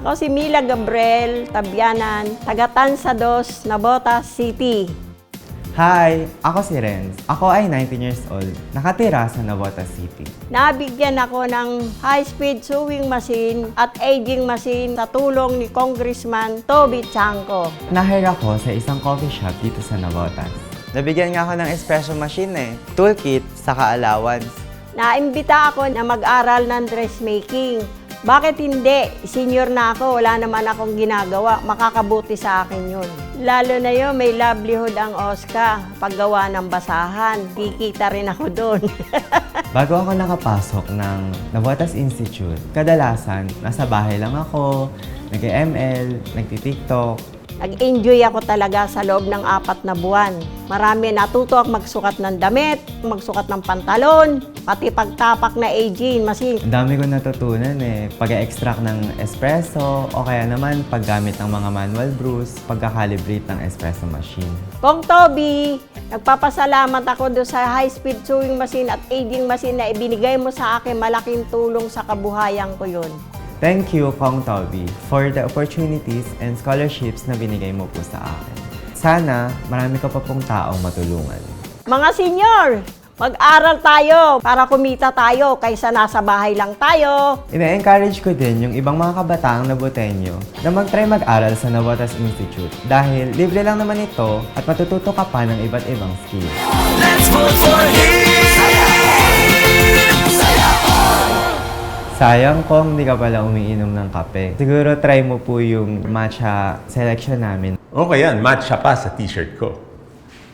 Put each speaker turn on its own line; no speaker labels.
Ako si Mila Gabriel Tabianan, taga Tansados, Navotas City.
Hi! Ako si Renz. Ako ay 19 years old. Nakatira sa Navotas City.
Nabigyan ako ng high-speed sewing machine at aging machine sa tulong ni Congressman Toby Chanco.
Nahire ako sa isang coffee shop dito sa Navotas. Nabigyan nga ako ng espresso machine toolkit, saka allowance.
Naimbita ako na mag-aral ng dressmaking. Bakit hindi? Senior na ako, wala naman akong ginagawa. Makakabuti sa akin yun. Lalo na yun, may livelihood ang OSCA. Paggawa ng basahan, kikita rin ako doon.
Bago ako nakapasok ng Navotas Institute, kadalasan nasa bahay lang ako, nag-ML, nagti-TikTok.
Nag-enjoy ako talaga sa loob ng 4 na buwan. Marami natuto ako magsukat ng damit, magsukat ng pantalon, pati pagtapak na aging machine.
Ang dami ko natutunan pag-extract ng espresso o kaya naman paggamit ng mga manual brews, pagka-calibrate ng espresso machine.
Kong Toby, nagpapasalamat ako doon sa high-speed sewing machine at aging machine na ibinigay mo sa akin. Malaking tulong sa kabuhayan ko yun.
Thank you, Kong Toby, for the opportunities and scholarships na binigay mo po sa akin. Sana marami ka pa pong taong matulungan.
Mga senior, mag-aral tayo para kumita tayo kaysa nasa bahay lang tayo.
Ina-encourage ko din yung ibang mga kabataang Naboteño na mag-try mag-aral sa Navotas Institute dahil libre lang naman ito at matututo ka pa ng iba't ibang skills.
Let's vote for him!
Sayang kung hindi ka pala umiinom ng kape. Siguro try mo po yung matcha selection namin.
Okay yan, matcha pa sa t-shirt ko.